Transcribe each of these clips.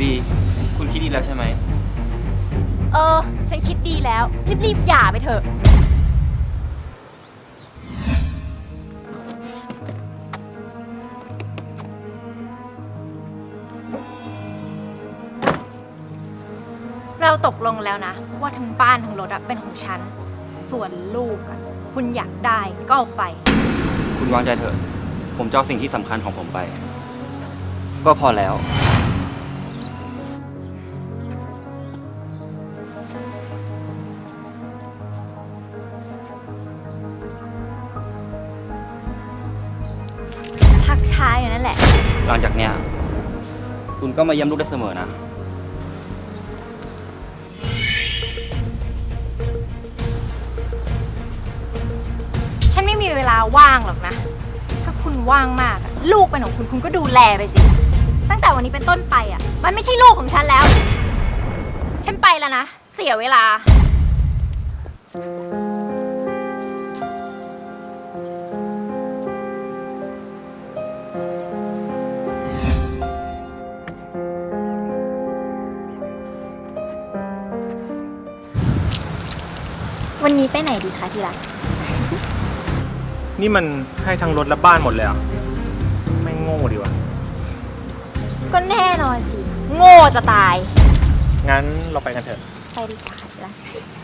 บีคุณคิดดีแล้วใช่ไหมฉันคิดดีแล้วรีบหย่าไปเถอะเราตกลงแล้วนะว่าทั้งบ้านทั้งรถเป็นของฉันส่วนลูกคุณอยากได้ก็เอาไปคุณวางใจเถอะผมจะเอาสิ่งที่สำคัญของผมไปก็พอแล้วชักช้าอยู่นั่นแหละหลังจากเนี้ยคุณก็มาเยี่ยมลูกได้เสมอนะฉันไม่มีเวลาว่างหรอกนะถ้าคุณว่างมากลูกเป็นของคุณก็ดูแลไปสิตั้งแต่วันนี้เป็นต้นไปมันไม่ใช่ลูกของฉันแล้วฉันไปแล้วนะเสียเวลาวันนี้ไปไหนดีคะที่รักนี่มันให้ทั้งรถและบ้านหมดเลยอ่ะไม่โง่ดีวะก็แน่นอนสิโง่จะตายงั้นเราไปกันเถอะไปดีกว่าที่รัก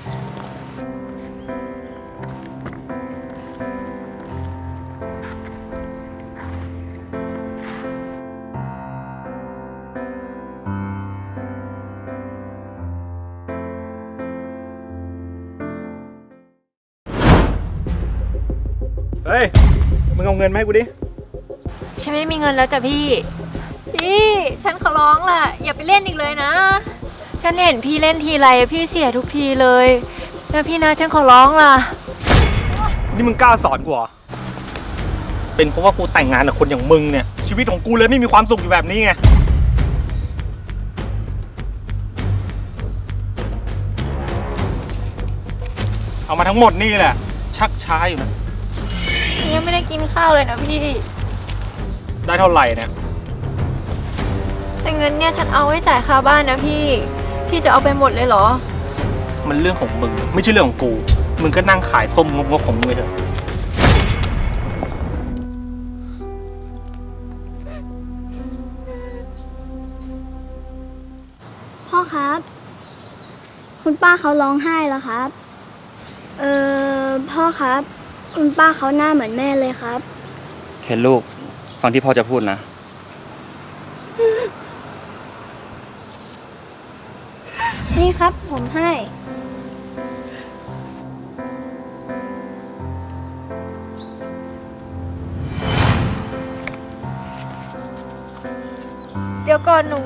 เฮ้ยมึงเอาเงินมาให้กูดิฉันไม่มีเงินแล้วจ้ะพี่ฉันขอร้องล่ะอย่าไปเล่นอีกเลยนะฉันเห็นพี่เล่นทีไรพี่เสียทุกทีเลยนะพี่นะฉันขอร้องล่ะนี่มึงกล้าสอนกูเหรอเป็นเพราะว่ากูแต่งงานกับคนอย่างมึงเนี่ยชีวิตของกูเลยไม่มีความสุขอยู่แบบนี้ไงเอามาทั้งหมดนี่แหละชักช้าอยู่นะยังไม่ได้กินข้าวเลยนะพี่ได้เท่าไหร่เนี่ยแต่เงินเนี่ยฉันเอาไว้จ่ายค่าบ้านนะพี่จะเอาไปหมดเลยเหรอมันเรื่องของมึงไม่ใช่เรื่องของกูมึงก็นั่งขายส้มงกๆของมึงไปเถอะพ่อครับคุณป้าเขาร้องไห้แล้วครับพ่อครับคุณป้าเขาหน้าเหมือนแม่เลยครับเคนลูกฟังที่พ่อจะพูดนะนี่ครับผมให้เดี๋ยวก่อนหนู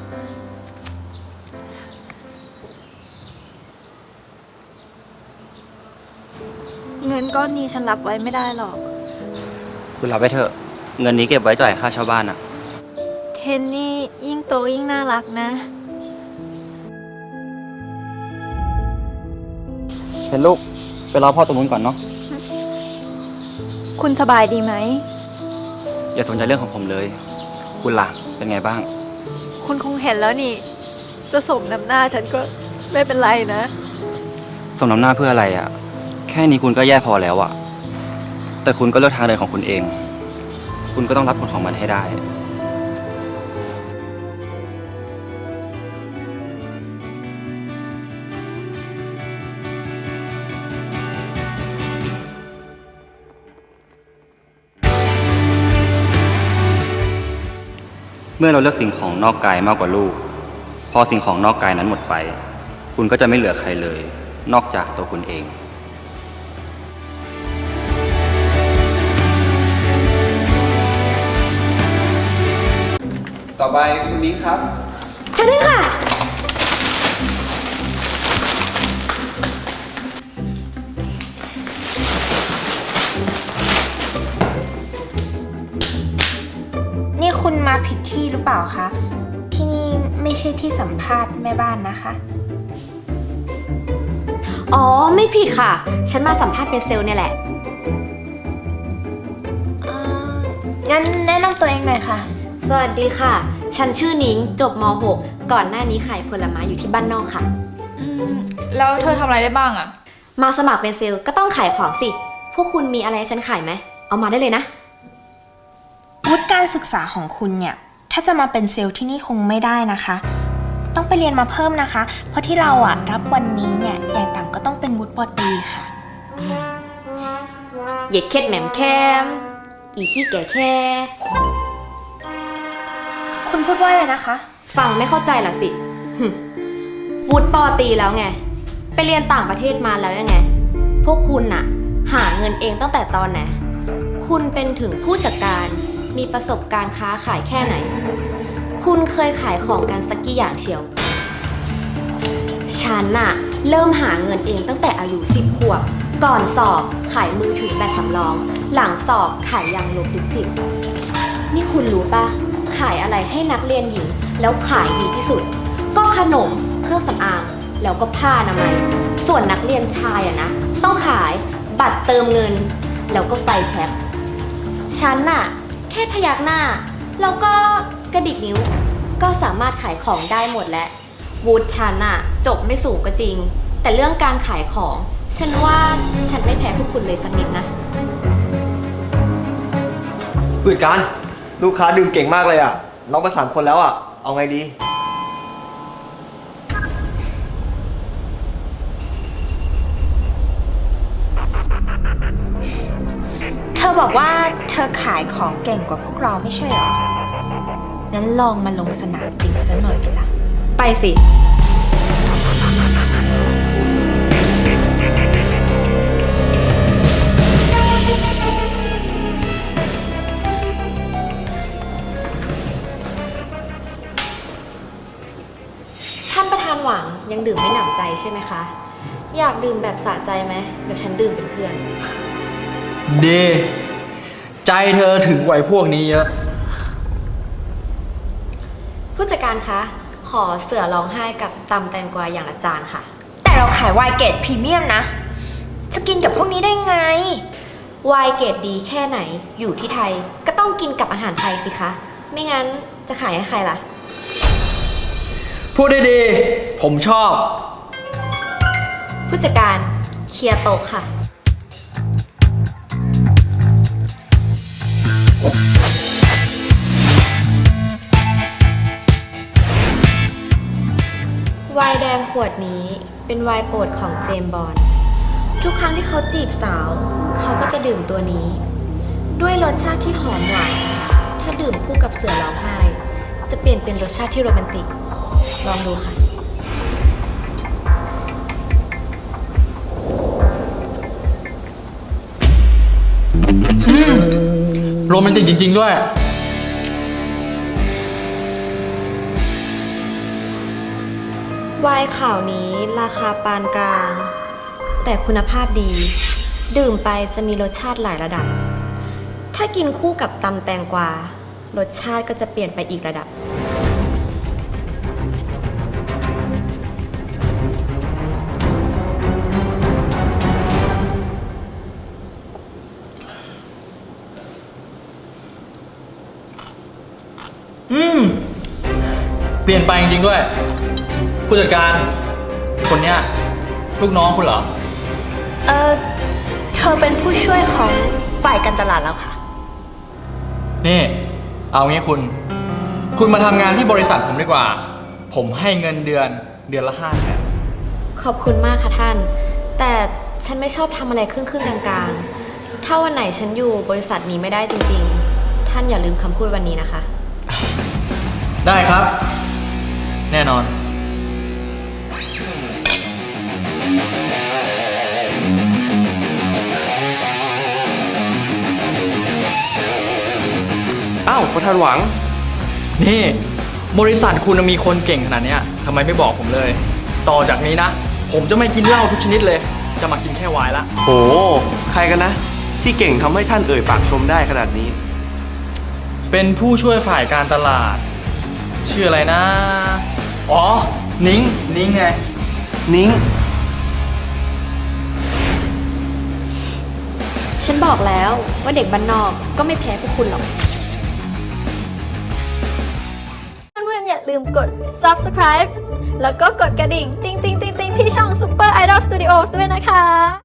เงินก้อนนี้ฉันรับไว้ไม่ได้หรอกคุณรับไปเถอะเงินนี้เก็บไว้จ่ายค่าเช่าบ้านอะเทนนี่ยิ่งโตยิ่งน่ารักนะเคนลูกไปรอพ่อตรงนู้นก่อนเนาะคุณสบายดีไหมอย่าสนใจเรื่องของผมเลยคุณล่ะเป็นไงบ้างคุณคงเห็นแล้วนี่จะสมน้ำหน้าฉันก็ไม่เป็นไรนะสมน้ำหน้าเพื่ออะไรอะแค่นี้คุณก็แย่พอแล้วอะแต่คุณก็เลือกทางเดินของคุณเองคุณก็ต้องรับผลของมันให้ได้เมื่อเราเลือกสิ่งของนอกกายมากกว่าลูกพอสิ่งของนอกกายนั้นหมดไปคุณก็จะไม่เหลือใครเลยนอกจากตัวคุณเองต่อไปคุณนิ้งครับฉันได้ค่ะนี่คุณมาผิดที่หรือเปล่าคะที่นี่ไม่ใช่ที่สัมภาษณ์แม่บ้านนะคะอ๋อไม่ผิดค่ะฉันมาสัมภาษณ์เป็นเซลล์เนี่ยแหละงั้นแนะนำตัวเองหน่อยค่ะสวัสดีค่ะฉันชื่อนิ้งจบม .6 ก่อนหน้านี้ขายผลไม้อยู่ที่บ้านนอกค่ะแล้วเธอทำอะไรได้บ้างอะมาสมัครเป็นเซลล์ก็ต้องขายของสิ พวกคุณมีอะไรให้ฉันขายไหม เอามาได้เลยนะวุฒิการศึกษาของคุณเนี่ย ถ้าจะมาเป็นเซลล์ที่นี่คงไม่ได้นะคะ ต้องไปเรียนมาเพิ่มนะคะ เพราะที่เราอะรับวันนี้เนี่ยอย่างต่ำก็ต้องเป็นวุฒิปตรีค่ะเหย็ดเคล็ดแหม่มแคม อีขี้แก่แค่คุณพูดว่าอะไรนะคะฟังไม่เข้าใจล่ะสิ วุฒิปอตรีแล้วไง ไปเรียนต่างประเทศมาแล้วยังไง พวกคุณน่ะ หาเงินเองตั้งแต่ตอนไหน คุณเป็นถึงผู้จัดการ มีประสบการณ์ค้าขายแค่ไหน คุณเคยขายของกันสักกี่อย่างเชียว ฉันน่ะ เริ่มหาเงินเองตั้งแต่อายุ10 ขวบ ก่อนสอบขายมือถือแบบสำรอง หลังสอบขายยางลบดิบๆนี่คุณรู้ปะขายอะไรให้นักเรียนหญิงแล้วขายดีที่สุด ก็ขนมเครื่องสำอางแล้วก็ผ้าอนามัย ส่วนนักเรียนชายอะนะต้องขายบัตรเติมเงิน แล้วก็ไฟแช็คฉันน่ะแค่พยักหน้าแล้วก็กระดิกนิ้ว ก็สามารถขายของได้หมดแล้ววูดฉันน่ะจบไม่สูงก็จริง แต่เรื่องการขายของฉันว่าฉันไม่แพ้พวกคุณเลยสักนิดนะผู้จัดการลูกค้าดื่มเก่งมากเลยอ่ะน้องไป3 คนแล้วอ่ะเอาไงดีเธอบอกว่าเธอขายของเก่งกว่าพวกเราไม่ใช่เหรอ งั้นลองมาลงสนามจริงซะหน่อยละไปสิ ท่านประธานหวังยังดื่มไม่หนำใจใช่ไหมคะ อยากดื่มแบบสะใจไหมเดี๋ยวฉันดื่มเป็นเพื่อนดีใจเธอถึงกว่าไอ้พวกนี้เยอะผู้จัดการคะ ขอเสือร้องไห้กับตำแตงกวาอย่างละจานค่ะแต่เราขายไวน์เกรดพรีเมียมนะ จะกินกับพวกนี้ได้ไงไวน์เกรดดีแค่ไหนอยู่ที่ไทยก็ต้องกินกับอาหารไทยสิคะ ไม่งั้นจะขายให้ใครล่ะพูดได้ดี ผมชอบผู้จัดการเคลียร์โต๊ะค่ะ ไวน์แดงขวดนี้เป็นไวน์โปรดของเจมส์บอนด์ทุกครั้งที่เขาจีบสาว เขาก็จะดื่มตัวนี้ ด้วยรสชาติที่หอมหวานถ้าดื่มคู่กับเสือร้องไห้ จะเปลี่ยนเป็นรสชาติที่โรแมนติก ลองดูค่ะโรแมนติกจริงๆด้วยไวน์ขาวนี้ราคาปานกลาง แต่คุณภาพดี ดื่มไปจะมีรสชาติหลายระดับ ถ้ากินคู่กับตำแตงกวารสชาติก็จะเปลี่ยนไปอีกระดับเปลี่ยนไปจริงๆด้วย ผู้จัดการ คนเนี้ยลูกน้องคุณเหรอเธอเป็นผู้ช่วยของฝ่ายการตลาดแล้วค่ะนี่ เอางี้คุณมาทำงานที่บริษัทผมดีกว่า ผมให้เงินเดือนละ500,000 ขอบคุณมากค่ะท่าน แต่ฉันไม่ชอบทำอะไรครึ่งๆกลางๆ ถ้าวันไหนฉันอยู่บริษัทนี้ไม่ได้จริงๆ ท่านอย่าลืมคำพูดวันนี้นะคะได้ครับ แน่นอนอ้าวประธานหวังนี่ บริษัทคุณมีคนเก่งขนาดเนี้ยทำไมไม่บอกผมเลย ต่อจากนี้นะ ผมจะไม่กินเหล้าทุกชนิดเลย จะมากินแค่ไวน์ละโหใครกันนะ ที่เก่งทำให้ท่านเอ่ยปากชมได้ขนาดนี้เป็นผู้ช่วยฝ่ายการตลาด ชื่ออะไรนะ อ๋อ นิ้งไงนิ้งฉันบอกแล้วว่าเด็กบ้านนอกก็ไม่แพ้พวกคุณหรอกลืมกด subscribe แล้วก็กดกระดิ่ง ติ๊งๆๆๆที่ช่อง Super Idol Studios ด้วยนะคะ